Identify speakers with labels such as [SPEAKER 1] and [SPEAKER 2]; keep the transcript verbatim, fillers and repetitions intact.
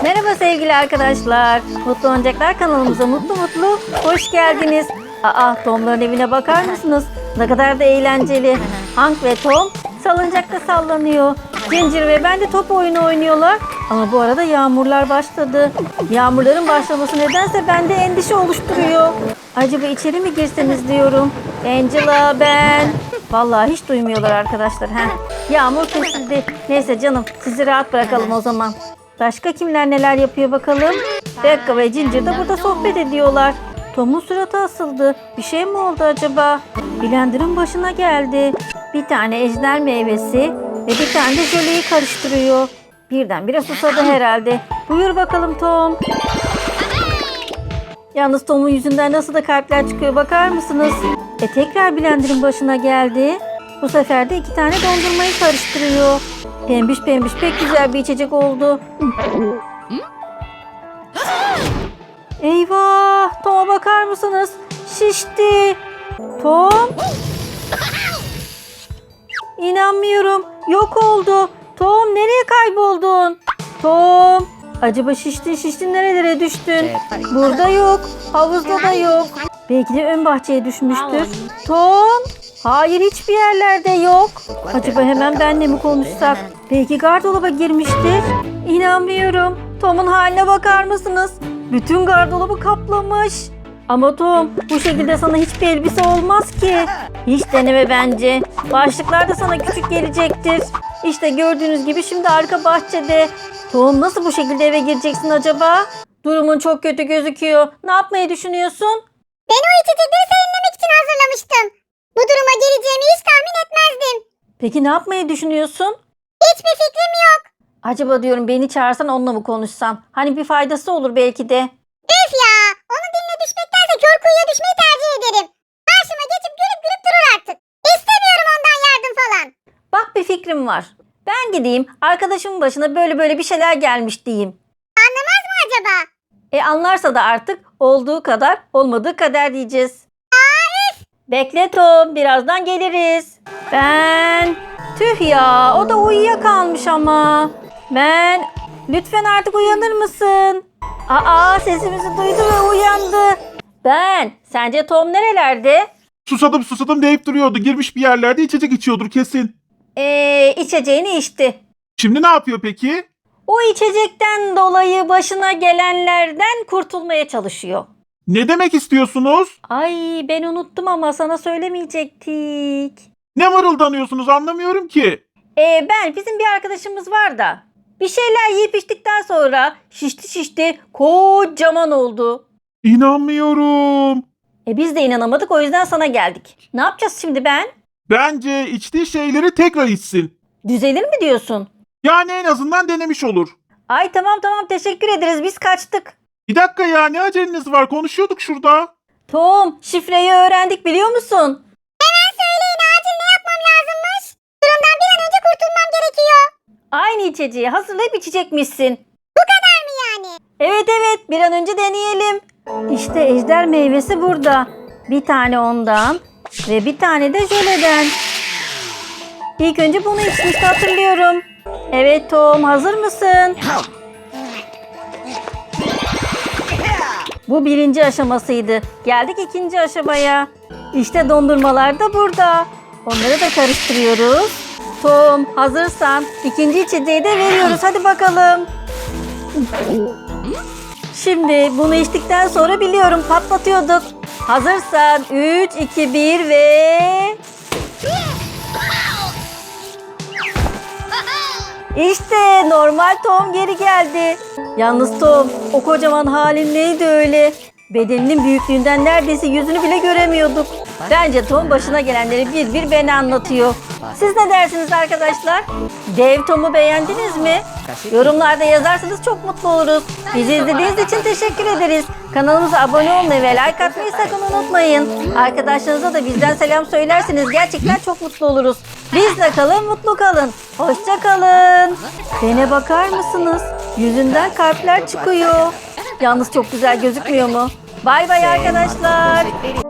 [SPEAKER 1] Merhaba sevgili arkadaşlar. Mutlu Oyuncaklar kanalımıza mutlu mutlu hoş geldiniz. Aa, Tom'ların evine bakar mısınız? Ne kadar da eğlenceli. Hank ve Tom salıncakta sallanıyor. Ginger ve ben de top oyunu oynuyorlar. Ama bu arada yağmurlar başladı. Yağmurların başlaması nedense bende endişe oluşturuyor. Acaba içeri mi girseniz diyorum. Angela, ben. Vallahi hiç duymuyorlar arkadaşlar. Heh. Yağmur kesildi. Neyse canım, sizi rahat bırakalım o zaman. Başka kimler neler yapıyor bakalım. Becca ve Ginger de burada sohbet ediyorlar. Tom'un suratı asıldı. Bir şey mi oldu acaba? Blender'ın başına geldi. Bir tane ejder meyvesi ve bir tane de jöleyi karıştırıyor. Birdenbire susadı herhalde. Buyur bakalım Tom. Yalnız Tom'un yüzünden nasıl da kalpler çıkıyor bakar mısınız? E tekrar Blender'ın başına geldi. Bu sefer de iki tane dondurmayı karıştırıyor. Pembiş pembiş pek güzel bir içecek oldu. Eyvah! Tom'a bakar mısınız? Şişti. Tom? İnanmıyorum. Yok oldu. Tom, nereye kayboldun? Tom! Acaba şiştin şiştin nerelere düştün? Burada yok. Havuzda da yok. Belki de ön bahçeye düşmüştür. Tom! Hayır, hiçbir yerlerde yok. Acaba hemen benle mi konuşsak? Belki gardıraba girmiştir. İnanmıyorum. Tom'un haline bakar mısınız? Bütün gardırobı kaplamış. Ama Tom, bu şekilde sana hiçbir elbise olmaz ki. Hiç deneme bence. Başlıklar da sana küçük gelecektir. İşte gördüğünüz gibi şimdi arka bahçede. Tom, nasıl bu şekilde eve gireceksin acaba? Durumun çok kötü gözüküyor. Ne yapmayı düşünüyorsun?
[SPEAKER 2] Ben o içecekleri serinlemek için hazırlamıştım. Bu duruma geleceğimi hiç tahmin etmezdim.
[SPEAKER 1] Peki ne yapmayı düşünüyorsun?
[SPEAKER 2] Hiçbir fikrim yok.
[SPEAKER 1] Acaba diyorum beni çağırsan onunla mı konuşsan? Hani bir faydası olur belki de.
[SPEAKER 2] Üf ya! Onun diline düşmektense kör kuyuya düşmeyi tercih ederim. Karşıma geçip gülüp gülüp durur artık. İstemiyorum ondan yardım falan.
[SPEAKER 1] Bak, bir fikrim var. Ben gideyim arkadaşımın başına böyle böyle bir şeyler gelmiş diyeyim.
[SPEAKER 2] Anlamaz mı acaba?
[SPEAKER 1] E anlarsa da artık olduğu kadar olmadığı kadar diyeceğiz. Bekle Tom, birazdan geliriz. Ben... Tüh ya, o da uyuyakalmış ama. Ben... Lütfen artık uyanır mısın? Aa, sesimizi duydu ve uyandı. Ben... Sence Tom nerelerde?
[SPEAKER 3] Susadım susadım deyip duruyordu. Girmiş bir yerlerde içecek içiyordur kesin.
[SPEAKER 1] Eee içeceğini içti.
[SPEAKER 3] Şimdi ne yapıyor peki?
[SPEAKER 1] O içecekten dolayı başına gelenlerden kurtulmaya çalışıyor.
[SPEAKER 3] Ne demek istiyorsunuz?
[SPEAKER 1] Ay, ben unuttum ama sana söylemeyecektik.
[SPEAKER 3] Ne mırıldanıyorsunuz anlamıyorum ki.
[SPEAKER 1] Ee, ben bizim bir arkadaşımız var da bir şeyler yiyip içtikten sonra şişti şişti kocaman oldu.
[SPEAKER 3] İnanmıyorum.
[SPEAKER 1] E biz de inanamadık, o yüzden sana geldik. Ne yapacağız şimdi ben?
[SPEAKER 3] Bence içtiği şeyleri tekrar içsin.
[SPEAKER 1] Düzelir mi diyorsun?
[SPEAKER 3] Yani en azından denemiş olur.
[SPEAKER 1] Ay tamam tamam, teşekkür ederiz, biz kaçtık.
[SPEAKER 3] Bir dakika ya, ne aceleniz var, konuşuyorduk şurada.
[SPEAKER 1] Tom, şifreyi öğrendik biliyor musun?
[SPEAKER 2] Hemen söyleyin, acil ne yapmam lazımmış? Durumdan bir an önce kurtulmam gerekiyor.
[SPEAKER 1] Aynı içeceği hazırlayıp içecekmişsin.
[SPEAKER 2] Bu kadar mı yani?
[SPEAKER 1] Evet evet, bir an önce deneyelim. İşte ejder meyvesi burada. Bir tane ondan ve bir tane de jöleden. İlk önce bunu içmişti, hatırlıyorum. Evet Tom, hazır mısın? Bu birinci aşamasıydı. Geldik ikinci aşamaya. İşte dondurmalar da burada. Onları da karıştırıyoruz. Tom, hazırsan ikinci içeceği de veriyoruz. Hadi bakalım. Şimdi bunu içtikten sonra biliyorum patlatıyorduk. Hazırsan üç, iki, bir ve... İşte normal Tom geri geldi. Yalnız Tom, o kocaman halin neydi öyle? Bedeninin büyüklüğünden neredeyse yüzünü bile göremiyorduk. Bence Tom başına gelenleri bir bir beni anlatıyor. Siz ne dersiniz arkadaşlar? Dev Tom'u beğendiniz mi? Yorumlarda yazarsanız çok mutlu oluruz. Bizi izlediğiniz için teşekkür ederiz. Kanalımıza abone olmayı ve like atmayı sakın unutmayın. Arkadaşlarınıza da bizden selam söylerseniz gerçekten çok mutlu oluruz. Bizle kalın, mutlu kalın. Hoşça kalın. Bene bakar mısınız? Yüzünden kalpler çıkıyor. Yalnız çok güzel gözükmüyor mu? Bay bay arkadaşlar.